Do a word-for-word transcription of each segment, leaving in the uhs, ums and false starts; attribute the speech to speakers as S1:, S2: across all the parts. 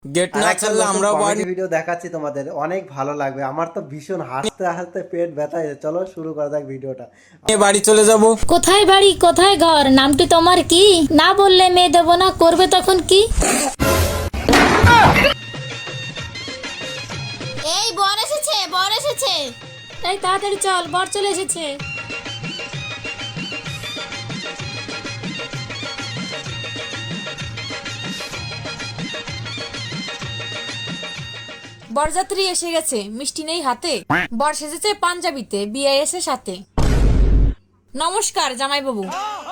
S1: Gate না ছাড়লে আমরা
S2: কমেডি ভিডিও দেখাচ্ছি তোমাদের, অনেক ভালো লাগবে। আমার তো ভীষণ হাসতে হাসতে পেট ব্যথা হয়েছে। চলো শুরু করা যাক ভিডিওটা।
S1: বাড়ি চলে যাব।
S3: কোথায় বাড়ি কোথায় ঘর, নামটি তোমার কি? না বললে মেয়ে দেব না, করবে তখন কি?
S4: এই বর এসেছে, বর এসেছে।
S3: এই তাড়াতাড়ি চল, বর চলে এসেছে।
S5: বরযাত্রী এসে গেছে, মিষ্টি নেই হাতে। বর সেজেছে পাঞ্জাবিতে, বিয়ে এসে সাথে। নমস্কার জামাইবাবু,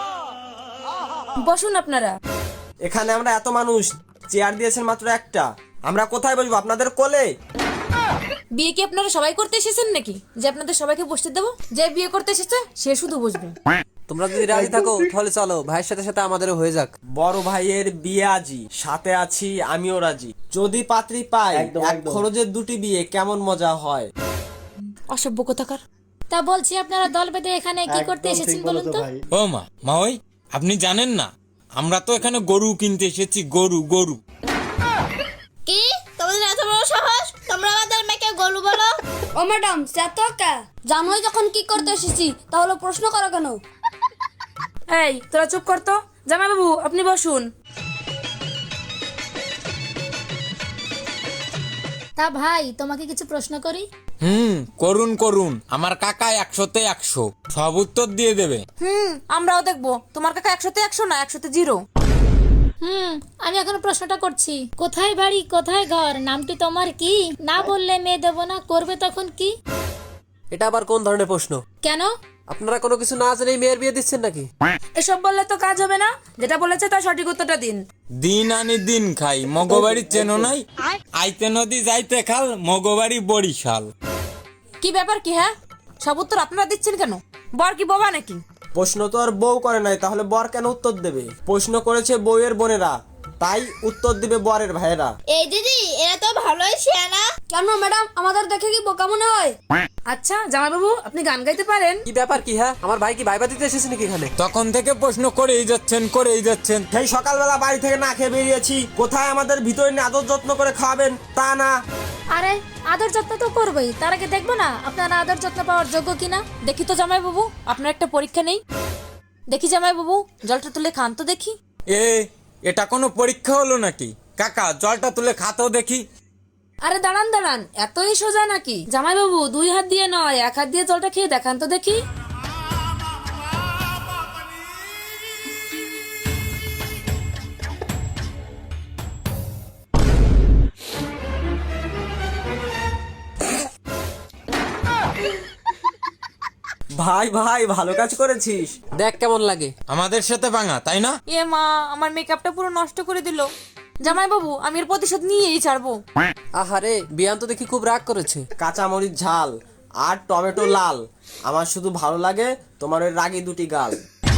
S5: বসুন আপনারা।
S6: এখানে আমরা এত মানুষ, চেয়ার দিয়েছেন মাত্র একটা। আমরা কোথায় বসবো? আপনাদের কোলে?
S5: বিয়ে কি আপনারা সবাই করতে এসেছেন নাকি যে আপনাদের সবাইকে বসতে দেবো? যে বিয়ে করতে এসেছে সে শুধু বসবে।
S7: তোমরা যদি রাজি থাকো তাহলে চলো, ভাইয়ের সাথে সাথে আমাদেরও হয়ে যাক।
S6: বড় ভাইয়ের বিয়ে আজি, সাথে আছি আমিও রাজি। যদি পাত্রী পাই,
S2: একদম,
S6: এক
S2: একদম।
S6: খরচের দুটি বিয়ে কেমন মজা হয়।
S5: অসভ্য কোথাকার।
S3: তা বলছি আপনারা দল বেঁধে এখানে কি করতে
S2: একদম
S3: এসেছেন
S2: ঠিক
S3: বলুন
S2: বলেছো
S3: তো?
S2: ভাই।
S1: ও মা মা ওই আপনি জানেন না, আমরা তো এখানে গরু কিনতে এসেছি। গরু গরু
S4: কি তোমাদের এত বড় সাহস? তোমরা আমাদের মেয়েকে গলু বলো?
S8: ও ম্যাডাম চাতকা জানোই যখন কি করতে এসেছি তাহলে প্রশ্ন করো কেন?
S5: এই তোরা চুপ করতো। জামাইবাবু আপনি বসুন।
S3: তা ভাই তোমাকে কিছু প্রশ্ন করি?
S1: হুম করুন করুন, আমার কাকা একশোতে একশো সব উত্তর দিয়ে দেবে।
S5: হুম আমরাও দেখবো তোমার কাকা একশোতে একশো না একশোতে জিরো।
S3: হুম আমি এখন প্রশ্নটা করছি। কোথায় বাড়ি কোথায় ঘর, নামটি তোমার কি? না বললে মেয়ে দেব না, করবে তখন কি?
S7: এটা আবার কোন ধরনের প্রশ্ন?
S3: কেন?
S7: আপনারা কোনো কিছু না জেনেই মেয়ের বিয়ে দিচ্ছেন নাকি?
S5: এসব বললে তো কাজ হবে না, যেটা বলেছে তার সঠিক উত্তরটা দিন।
S1: দিন আনি দিন খাই, মগবাড়ি চেনো নাই? আইতে নদী যাইতে খাল, মগবাড়ি বরিশাল।
S5: কি ব্যাপার কি? হ্যাঁ সব উত্তর আপনারা দিচ্ছেন কেন? বর কি বাবা নাকি?
S6: প্রশ্ন তো আর বউ করে নাই, তাহলে বর কেন উত্তর দেবে? প্রশ্ন করেছে বউয়ের বোনেরা, তাই উত্তর দিবে বরের ভাইয়েরা।
S4: এই দিদি, এরা তো ভালোই শিয়ানা।
S8: কেন ম্যাডাম আমাদের দেখে কি বোকা মনে হয়?
S5: আচ্ছা জামাইবাবু আপনি গান গাইতে পারেন?
S7: কি ব্যাপার কি? হ্যাঁ আমার ভাই কি ভাইবা দিতে এসেছে নাকি এখানে?
S1: তখন থেকে প্রশ্ন করেই যাচ্ছেন করেই যাচ্ছেন।
S6: সেই সকালবেলা বাড়ি থেকে না খেয়ে বেরিয়েছি, কোথায় আমাদের ভিতরে নিয়ে আদর যত্ন করে খাওয়াবেন তা না।
S3: আরে আদর যত্ন তো করবোই, তার আগে দেখবো না আপনারা আদর যত্ন পাওয়ার যোগ্য কিনা।
S5: দেখি তো জামাইবাবু, আপনার একটা পরীক্ষা নেই? দেখি জামাইবাবু জলটা তুলে খান তো দেখি।
S1: এ এটা কোনো পরীক্ষা হলো নাকি? কাকা জলটা তুলে খাতেও দেখি।
S5: আরে দাঁড়ান দাঁড়ান, এতই সোজা নাকি? জামাইবাবু দুই হাত দিয়ে নয়, এক হাত দিয়ে জলটা খেয়ে দেখান তো দেখি।
S6: ভাই ভাই ভালো কাজ করেছিস।
S7: দেখ কেমন লাগে।
S1: আমাদের সাথে ভাঙা তাই না?
S5: এ মা, আমার মেকআপটা পুরো নষ্ট করে দিল। জামাইবাবু আমি এর প্রতিশোধ নিয়েই ছাড়বো।
S7: আহারে বিয়ান তো দেখি খুব রাগ করেছে।
S6: কাঁচামরিচ ঝাল আর টমেটো লাল, আমার শুধু ভালো লাগে তোমার ওই রাগী দুটি গাল।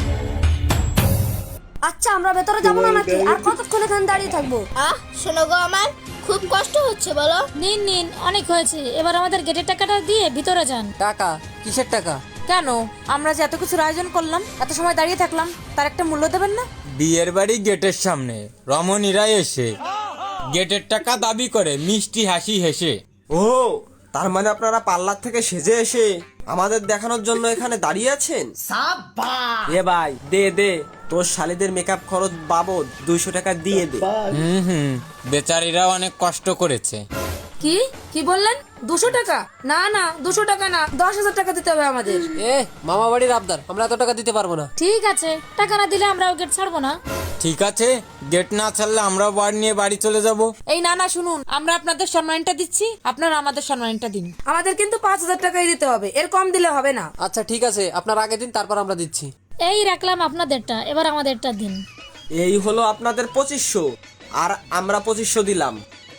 S8: আচ্ছা আমরা ভেতরে যাবো না নাকি? আর কতক্ষণ এখানে দাঁড়িয়ে থাকবো?
S4: আহ শোনো গো, আমার খুব কষ্ট হচ্ছে বলো।
S3: নিন নিন, অনেক হয়েছে, এবার আমাদের গেটের টাকাটা দিয়ে ভিতরে যান।
S7: টাকা? কিসের টাকা?
S5: কেন, আমরা যে এত কিছুর আয়োজন করলাম, এত সময় দাঁড়িয়ে থাকলাম, তার একটা মূল্য দেবেন না?
S1: বিয়ের বাড়ি গেটের সামনে রমণীরা এসে গেটের টাকা দাবি করে মিষ্টি হাসি হেসে।
S6: ও তার মানে আপনারা পার্লার থেকে সেজে এসে আমাদের দেখানোর জন্য এখানে দাঁড়িয়ে আছেন? এ ভাই দে দে, তোর শালিদের মেকআপ খরচ বাবদ দুইশো টাকা দিয়ে দে।
S1: হুম হুম বেচারিরা অনেক কষ্ট করেছে।
S5: কি কি বললেন? দুশো টাকা? না না, দুশো টাকা না, দশ হাজার টাকা দিতে হবে আমাদের।
S7: এ মামা বাড়ির আবদার, আমরা এত টাকা দিতে পারবো না।
S3: ঠিক আছে, টাকা না দিলে আমরাও গেট ছাড়বো না।
S1: ঠিক আছে, গেট না ছাড়লে আমরাও বার নিয়ে বাড়ি চলে যাব।
S5: এই না না শুনুন, আমরা আপনাদের সম্মানটা দিচ্ছি, আপনারা আমাদের সম্মানটা দিন। আমাদের কিন্তু পাঁচ হাজার টাকাই দিতে হবে, এর কম দিলে হবে না।
S7: আচ্ছা ঠিক আছে, আপনার আগে দিন তারপর আমরা দিচ্ছি।
S3: এই রাখলাম আপনাদেরটা, এবার আমাদেরটা দিন।
S6: এই হলো আপনাদের পঁচিশশো, আর আমরা পঁচিশশো দিলাম।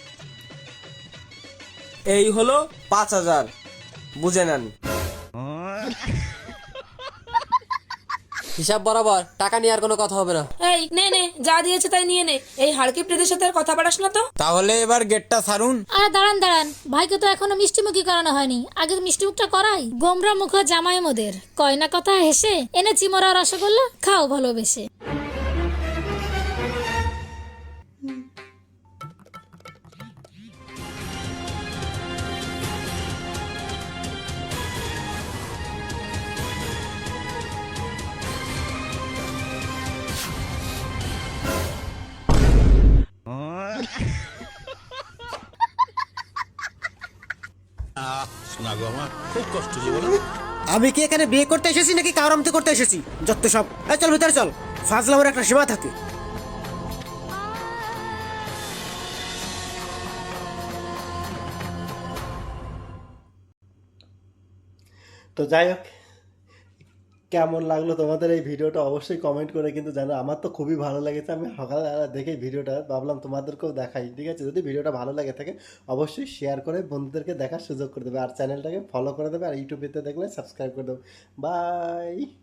S6: এই হলো পাঁচ হাজার, বুঝে নেন।
S7: হিসাব বরাবর, টাকা নিয়ে আর কোনো কথা হবে না।
S5: এই নে নে, যা দিয়েছে তাই নিয়ে নে। এই হাড়কিপ্টেদের সাথে আর কথা বাড়াস না তো।
S1: তাহলে এবার গেটটা ছাড়ুন।
S3: আর দাঁড়ান দাঁড়ান, ভাইকে তো এখনো মিষ্টিমুখী করানো হয়নি, আগে মিষ্টি মুখটা করাই। গোমরা মুখ জামাই মোদের, কয়না কথা হেসে এনেছি মোরা রসগোল্লা, খাও ভালোবেসে।
S9: আমি কি এখানে বিয়ে করতে এসেছি নাকি কাউরামতে করতে এসেছি? যত সব। এই চল ভিতরে চল, ফাজলামের একটা সীমা থাকে।
S2: তো যাই হোক, কেমন লাগলো তোমাদের এই ভিডিওটা অবশ্যই কমেন্ট করে কিন্তু জানো। আমার তো খুবই ভালো লেগেছে, আমি সকালবেলা দেখে ভিডিওটা ভাবলাম তোমাদেরকেও দেখাই, ঠিক আছে? যদি ভিডিওটা ভালো লাগে থাকে অবশ্যই শেয়ার করে বন্ধুদেরকে দেখার সুযোগ করে দেবে, আর চ্যানেলটাকে ফলো করে দেবে, আর ইউটিউবেতে দেখলে সাবস্ক্রাইব করে দেবে। বাই।